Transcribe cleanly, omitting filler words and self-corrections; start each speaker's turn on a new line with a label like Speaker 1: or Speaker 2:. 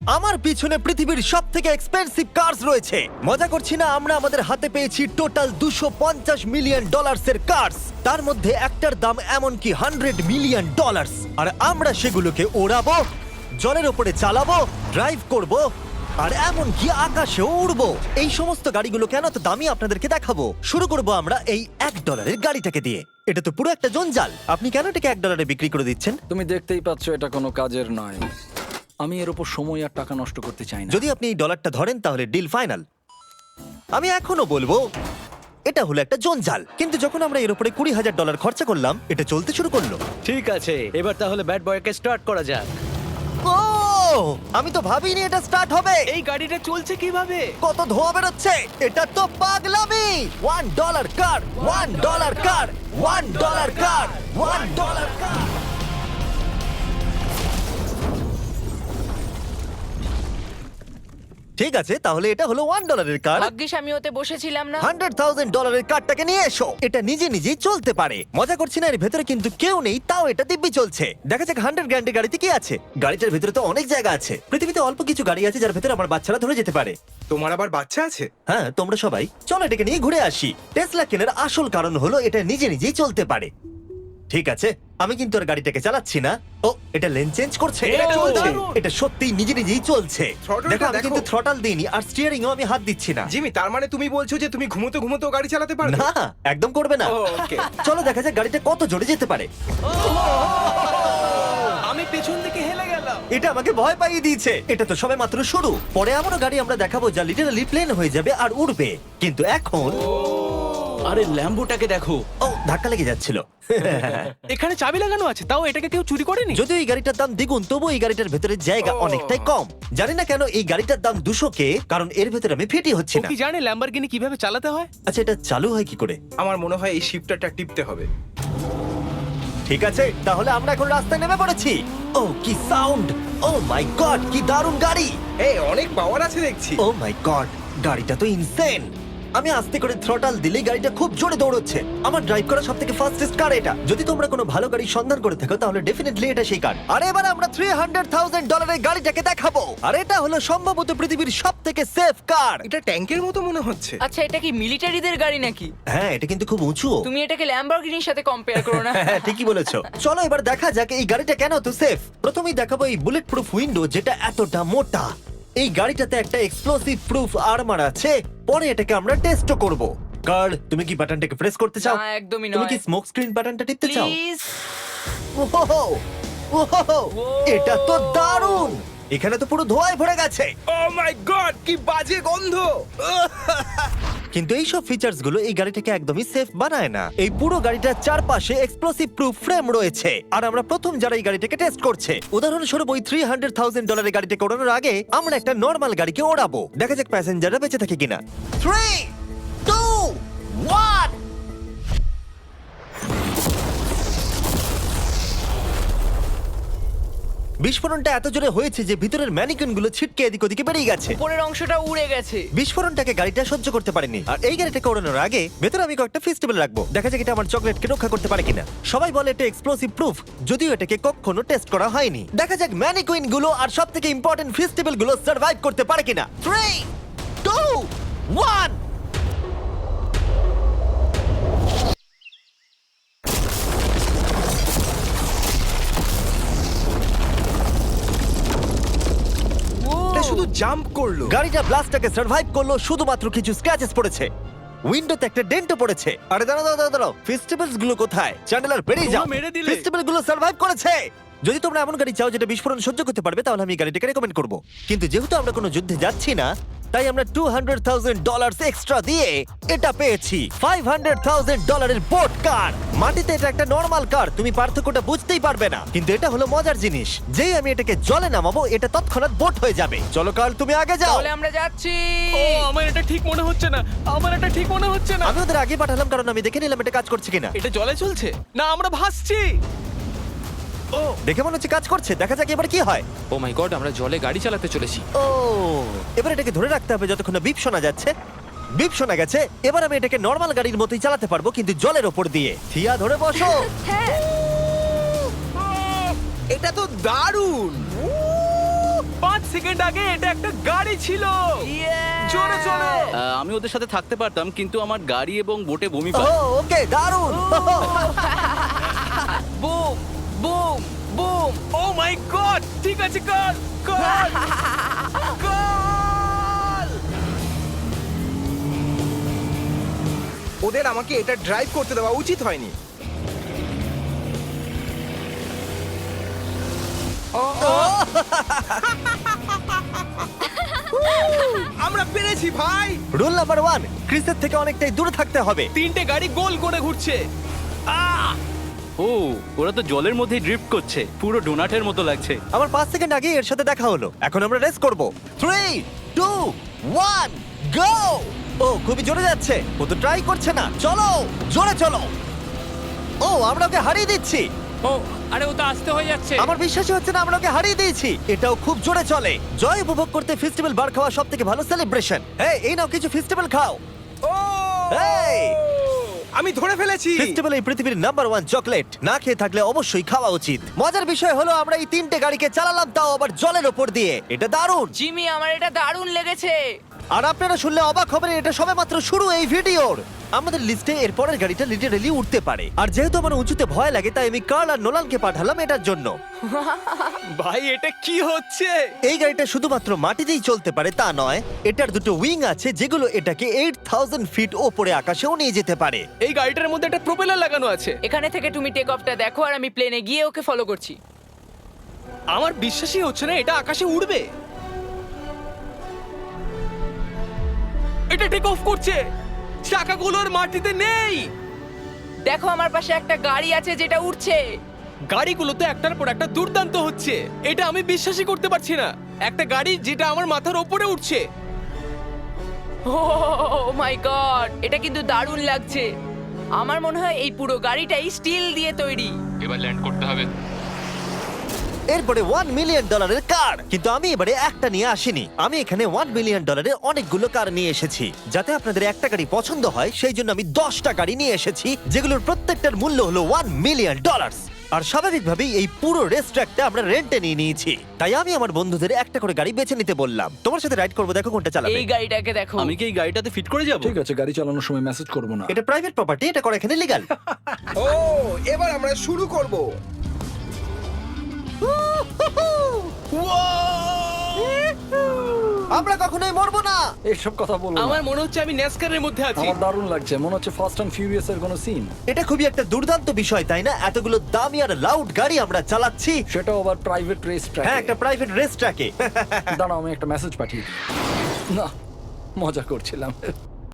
Speaker 1: আমার পিছনে পৃথিবীর সবথেকে এক্সপেন্সিভ কার্স রয়েছে। মজা করছি না, আমরা আমাদের হাতে পেয়েছি টোটাল $250 মিলিয়ন এর কার্স। তার মধ্যে একটার দাম এমনকি $100 মিলিয়ন। আর আমরা সেগুলোকে ওড়াবো, জলের উপরে চালাবো, ড্রাইভ করব, আর এমনকি আকাশেও উড়বো। এই সমস্ত গাড়িগুলো কেন তো দামি আপনাদেরকে দেখাবো। শুরু করব আমরা এই $1 গাড়িটাকে দিয়ে। এটা তো পুরো একটা জঞ্জাল। আপনি কেন এটাকে $1 বিক্রি করে দিচ্ছেন?
Speaker 2: তুমি দেখতেই পাচ্ছ এটা কোনো কাজের নয়। আমি এর উপর সময় আর টাকা নষ্ট করতে চাই না।
Speaker 1: যদি আপনি এই ডলারটা ধরেন তাহলে ডিল ফাইনাল। আমি এখনো বলবো এটা হলো একটা জঞ্জাল, কিন্তু যখন আমরা এর উপরে $20,000 খরচা করলাম, এটা চলতে শুরু করলো।
Speaker 3: ঠিক আছে, এবার তাহলে ব্যাড বয়কে স্টার্ট করা যাক।
Speaker 1: ও, আমি তো ভাবিনি এটা স্টার্ট হবে।
Speaker 3: এই গাড়িটা চলছে কিভাবে?
Speaker 1: কত ধোঁয়া বেরোচ্ছে, এটা তো পাগলামি। $1 কার, $1 কার, $1 কার, $1 কার। ঠিক আছে, তাহলে এটা হলো $1 কার।
Speaker 4: ভাগ্যিস আমি ওতে বসেছিলাম না।
Speaker 1: $100,000 কারটাকে নিয়ে এসো। এটা নিজে নিজেই চলতে পারে। মজা করছি না, এর ভেতরে কিন্তু কেউ নেই, তাও এটা দিব্যি চলছে। দেখা যাক 100 গ্র্যান্ডের গাড়িতে কি আছে। গাড়িটার ভেতরে তো অনেক জায়গা আছে। পৃথিবীতে অল্প কিছু গাড়ি আছে যার ভেতরে আমার বাচ্চারা ধরে যেতে পারে।
Speaker 5: তোমার আবার বাচ্চা আছে?
Speaker 1: হ্যাঁ, তোমরা সবাই চলো এটাকে নিয়ে ঘুরে আসি। টেসলা কেনার আসল কারণ হলো এটা নিজে নিজেই চলতে পারে। ঠিক আছে, আমি কিন্তু আর গাড়িটাকে চালাচ্ছি না। ও, এটা লেন চেঞ্জ করছে।
Speaker 3: এটা চলছে।
Speaker 1: এটা সত্যিই নিজে নিজেই চলছে।
Speaker 5: Throttle-টা
Speaker 1: দেখো, আমি
Speaker 5: দেখো।
Speaker 1: কিন্তু থ্রটাল দিইনি আর স্টিয়ারিংও আমি হাত দিচ্ছি না।
Speaker 5: জিমি, তার মানে তুমি বলছো যে তুমি ঘুমোতে ঘুমোতেও গাড়ি চালাতে পারবে?
Speaker 1: না, একদম করবে না।
Speaker 5: ওকে।
Speaker 1: চলো দেখা যাক গাড়িটা কত জোরে যেতে পারে।
Speaker 3: আমি পেছন থেকে হেলে গেলাম।
Speaker 1: এটা আমাকে ভয় পাইয়ে দিয়েছে। এটা তো সবে মাত্র শুরু। পরে এমনও গাড়ি আমরা দেখাবো যা লিটারালি প্লেন হয়ে যাবে আর উড়বে। কিন্তু এখন
Speaker 3: আরে ল্যাম্বোটাকে দেখো,
Speaker 1: ও, ধাক্কা লেগে যাচ্ছিল।
Speaker 3: এখানে চাবি লাগানো আছে, তাও এটাকে কেউ চুরি করেনি।
Speaker 1: যদিও এই গাড়িটার দাম দ্বিগুণ, তবু এই গাড়িটার ভেতরে জায়গা অনেকটাই কম। জানি না কেন এই গাড়িটার দাম 200K, কারণ এর ভেতরে আমি ফিটি হচ্ছি
Speaker 3: ও
Speaker 1: না।
Speaker 3: কি জানে ল্যাম্বরগিনি কিভাবে চালাতে হয়?
Speaker 1: আচ্ছা, এটা চালু হয় কি করে?
Speaker 5: আমার মনে হয় এই শিফটারটা টিপতে হবে।
Speaker 1: ঠিক আছে, তাহলে আমরা এখন রাস্তায় নেমে পড়েছি। ও, কি সাউন্ড! ও মাই গড, কি দারুণ গাড়ি!
Speaker 5: এই অনেক পাওয়ার আছে দেখছি।
Speaker 1: ও মাই গড, গাড়িটা তো ইনসেন। আমি আস্তে করে থ্রটাল দিলেই গাড়িটা খুব জোরে দৌড়চ্ছে। আমার ড্রাইভ করা সবথেকে ফাস্টেস্ট কার এটা। যদি তোমরা কোনো ভালো গাড়ি সন্ধান করে থাকো তাহলে ডেফিনেটলি এটা সেই কার। আর এবার আমরা $300,000 গাড়িটাকে দেখাবো। আর এটা হলো সম্ভবত পৃথিবীর সবথেকে সেফ কার।
Speaker 5: এটা ট্যাঙ্কের মতো মনে হচ্ছে।
Speaker 4: আচ্ছা, এটা কি মিলিটারিদের গাড়ি নাকি?
Speaker 1: হ্যাঁ, এটা কিন্তু খুব উঁচু।
Speaker 4: তুমি এটাকে ল্যাম্বরগিনির সাথে কম্পেয়ার করো না।
Speaker 1: হ্যাঁ, ঠিকই বলেছো। চলো এবার দেখা যাক এই গাড়িটা কেন তো সেফ। প্রথমেই দেখাবো এই বুলেট প্রুফ উইন্ডো, যেটা এতটা মোটা। এই গাড়িটাতে একটা এক্সপ্লোসিভ প্রুফ আর্মার আছে। পরে এটাকে আমরা টেস্টও করব। কার্ল, তুমি কি বাটনটাকে প্রেস করতে চাও?
Speaker 4: না, একদমই
Speaker 1: তুমি
Speaker 4: নয়।
Speaker 1: কি স্মোক স্ক্রিন বাটনটা টিপতে চাও?
Speaker 4: প্লিজ।
Speaker 1: ওহো, ওহো, এটা তো দারুণ। এখানে তো পুরো ধোঁয়ায় ভরে গেছে।
Speaker 5: ও মাই গড, কি বাজে গন্ধ!
Speaker 1: কিন্তু এই সব ফিচার্স গুলো এই গাড়িটাকে একদমই সেফ বানায় না। এই পুরো গাড়িটার চারপাশে এক্সপ্লোসিভ প্রুফ ফ্রেম রয়েছে। আর আমরা প্রথম যারা এই গাড়িটাকে টেস্ট করছে, উদাহরণস্বরূপ ওই $300,000 গাড়িটাকে ওড়ানোর আগে আমরা একটা নর্মাল গাড়িকে ওড়াবো। দেখা যাক প্যাসেঞ্জাররা বেঁচে থাকে কিনা। 3, 2, 1। বিস্ফোরণটা এত জোরে হয়েছে যে ভিতরের ম্যানিকুইন গুলো ছিটকে এদিক ওদিকে বেরিয়ে গেছে।
Speaker 4: উপরের অংশটা উড়ে গেছে।
Speaker 1: বিস্ফোরণটাকে গাড়িটা সহ্য করতে পারেনি। আর এই গাড়িটাকে ওড়ানোর আগে ভেতরে আমি কয়েকটা ফেস্টিভ্যাল রাখবো। দেখা যাক এটা আমার চকলেটকে রক্ষা করতে পারে কিনা। সবাই বলে এটা এক্সপ্লোসিভ প্রুফ, যদিও এটাকে কখনো টেস্ট করা হয়নি। দেখা যাক ম্যানিকুইন গুলো আর সবথেকে ইম্পর্টেন্ট ফেস্টিভ্যাল গুলো সার্ভাইভ করতে পারে কিনা। 3, 2, 1।
Speaker 5: এটা শুধু জাম্প করলো।
Speaker 1: গাড়িটা ব্লাস্টটাকে সার্ভাইভ করলো, শুধুমাত্র কিছু স্ক্র্যাচেস পড়েছে। উইন্ডোতে একটা ডেন্টও পড়েছে। আরে দাঁড়াও, ফেস্টিভ্যালস গুলো কোথায়? চ্যান্ডেলার বেরিয়ে যাও।
Speaker 3: তোমরা মেরে দিলে।
Speaker 1: ফেস্টিভ্যাল গুলো সার্ভাইভ করেছে। যদি তোমরা এমন গাড়ি চাও যেটা বিস্ফোরণ সহ্য করতে পারবে, তাহলে আমি এই গাড়িটাকে রেকমেন্ড করব। কিন্তু যেহেতু আমরা কোনো যুদ্ধে যাচ্ছি না, তাই আমরা $200,000 এক্সট্রা দিয়ে এটা পেয়েছি। $500,000 এর বোট কার। মাটিতে এটা একটা নর্মাল কার, তুমি পার্থক্যটা বুঝতেই পারবে না। কিন্তু এটা হলো মজার জিনিস, যেই আমি এটাকে জলে নামাবো এটা তৎক্ষণাৎ বোট হয়ে যাবে। চলো কার্ল, তুমি আগে যাও।
Speaker 4: তাহলে আমরা যাচ্ছি।
Speaker 3: ও, আমার এটা ঠিক মনে হচ্ছে না, আমার এটা ঠিক মনে হচ্ছে না।
Speaker 1: আমি ওদের আগে পাঠালাম কারণ আমি দেখে নিলাম এটা কাজ করছে কিনা।
Speaker 3: এটা জলে চলছে না, আমরা ভাসছি। ও,
Speaker 1: দেখে মনে হচ্ছে কাজ করছে। দেখা যাক এবার কি হয়।
Speaker 6: ও মাই গড, আমরা জলে গাড়ি চালাতে চলেছি।
Speaker 1: ও, এবার এটাকে ধরে রাখতে হবে যতক্ষণ না বিপ শোনা যাচ্ছে। বিপ শোনা গেছে। এবার আমি এটাকে নর্মাল গাড়ির মতোই চালাতে পারবো, কিন্তু জলের ওপর দিয়ে। থিয়া, ধরে বসো।
Speaker 4: হ্যাঁ।
Speaker 5: এটা তো দারুণ।
Speaker 3: 5 সেকেন্ড আগে এটা একটা গাড়ি ছিল। জোরে চলো।
Speaker 7: আমি ওদের সাথে থাকতে পারতাম কিন্তু আমার গাড়ি এবং বোটে বমি
Speaker 1: ও
Speaker 7: পায়।
Speaker 1: ওকে দারুণ
Speaker 4: boom boom boom.
Speaker 3: Oh my god, ঠিক আছে, কর কর কর।
Speaker 5: ওদের আমাকে এটা ড্রাইভ করতে দেওয়া উচিত হয়নি। আমরা পেরেছি ভাই।
Speaker 1: রুল নাম্বার 1, ক্রিসের থেকে অনেকটাই দূরে থাকতে হবে।
Speaker 3: 3টে গাড়ি গোল করে ঘুরছে।
Speaker 7: ও ওরা তো জলের মধ্যেই ড্রিফট করছে, পুরো ডোনাটের মতো লাগছে।
Speaker 1: আমার 5 সেকেন্ড আগে এর সাথে দেখা হলো। এখন আমরা রেস করব। 3 2 1 গো। ও খুবই জোরে যাচ্ছে, ও তো ট্রাই করছে না। চলো জোরে চলো। ও আমরা ওকে হারিয়ে দিচ্ছি।
Speaker 6: ও আরে ও তো আসতে হয়ে যাচ্ছে।
Speaker 1: আমার বিশ্বাসই হচ্ছে না আমরা ওকে হারিয়ে দিয়েছি। এটাও খুব জোরে চলে। জয় উপভোগ করতে ফেস্টিভ্যাল বার খাওয়া সব থেকে ভালো সেলিব্রেশন। এই নাও কিছু ফেস্টিভ্যাল খাও।
Speaker 5: ও
Speaker 1: এই!
Speaker 5: আমি ধরে ফেলেছি।
Speaker 1: ফেস্টিভ্যাল এই পৃথিবীর নাম্বার 1 চকলেট। না খেয়ে থাকলে অবশ্যই খাওয়া উচিত। মজার বিষয় হলো আমরা এই 3টে গাড়িকে চালালাম, তাও আবার জলের ওপর দিয়ে। এটা দারুণ।
Speaker 4: জিমি, আমার এটা দারুণ লেগেছে।
Speaker 1: আর আপনারা শুনলে অবাক হবেন, এটা সবেমাত্র শুরু এই ভিডিওর। আমাদের লিস্টে এর পরের গাড়িটা লিটারালি উঠতে পারে। আর যেহেতু আমার উঁচুতে ভয় লাগে, তাই আমি কার্ল আর নোলানকে পাঠালাম এটার জন্য।
Speaker 3: ভাই এটা কি হচ্ছে?
Speaker 1: এই গাড়িটা শুধুমাত্র মাটিতেই চলতে পারে তা নয়, এটার দুটো উইং আছে যেগুলো এটাকে 8000 ফিট ওপরে আকাশেও নিয়ে যেতে পারে।
Speaker 3: এই গাড়িটার মধ্যে একটা প্রপেলার লাগানো আছে।
Speaker 4: এখানে থেকে তুমি টেক অফটা দেখো আর আমি প্লেনে গিয়ে ওকে ফলো করছি।
Speaker 3: আমার বিশ্বাসই হচ্ছে না এটা আকাশে উড়বে। এটা টেক অফ করছে, চাকাগুলোর মাটিতে নেই।
Speaker 4: দেখো আমার পাশে একটা গাড়ি আছে যেটা উঠছে।
Speaker 3: গাড়িগুলো তো একটার পর একটা দুর্দান্ত হচ্ছে। এটা আমি বিশ্বাসই করতে পারছি না, একটা গাড়ি যেটা আমার মাথার ওপরে উঠছে।
Speaker 4: ও মাই গড, এটা কিন্তু দারুণ লাগছে। আমার মনে হয় এই পুরো গাড়িটাই স্টিল দিয়ে তৈরি।
Speaker 6: এবার ল্যান্ড করতে হবে।
Speaker 1: এরপরে $1 মিলিয়ন কার। কিন্তু আমি এবারে একটা নিয়ে আসিনি, আমি এখানে $1 মিলিয়ন অনেকগুলো কার নিয়ে এসেছি। যাতে আপনাদের একটা গাড়ি পছন্দ হয় সেই জন্য আমি 10টা গাড়ি নিয়ে এসেছি, যেগুলোর প্রত্যেকটার মূল্য হলো $1 মিলিয়ন। আর স্বাভাবিকভাবেই এই পুরো রেস ট্র্যাকটা আমরা রেন্টে নিয়ে নিয়েছি। তাই আমি আমার বন্ধুদের একটা করে গাড়ি বেছে নিতে বললাম। তোমার সাথে রাইড করবো, দেখো কোনটা চালাবে।
Speaker 4: এই গাড়িটাকে দেখো।
Speaker 7: আমি কি এই গাড়িটাতে ফিট করে যাব?
Speaker 2: ঠিক আছে, গাড়ি চালানোর সময় মেসেজ করবো না।
Speaker 1: এটা প্রাইভেট প্রপার্টি, এটা করা এখানে লিগ্যাল।
Speaker 5: ও এবার আমরা শুরু করব।
Speaker 1: আমরা কখনোই মরবো না।
Speaker 2: এইসব কথা বলবো না।
Speaker 3: আমার মনে হচ্ছে আমি ন্যাসকারের মধ্যে আছি।
Speaker 2: আমার দারুণ লাগছে, মনে হচ্ছে ফাস্ট অ্যান্ড ফিউরিয়াস এর কোনো সিন।
Speaker 1: এটা খুবই একটা দুর্দান্ত বিষয়, তাই না? এতগুলো দামি আর লাউড গাড়ি আমরা চালাচ্ছি।
Speaker 2: সেটাও আবার প্রাইভেট রেস ট্র্যাক।
Speaker 1: হ্যাঁ, একটা প্রাইভেট রেস ট্র্যাকে।
Speaker 2: দাঁড়াও আমি একটা মেসেজ পাঠিয়ে দিই। না, মজা করছিলাম।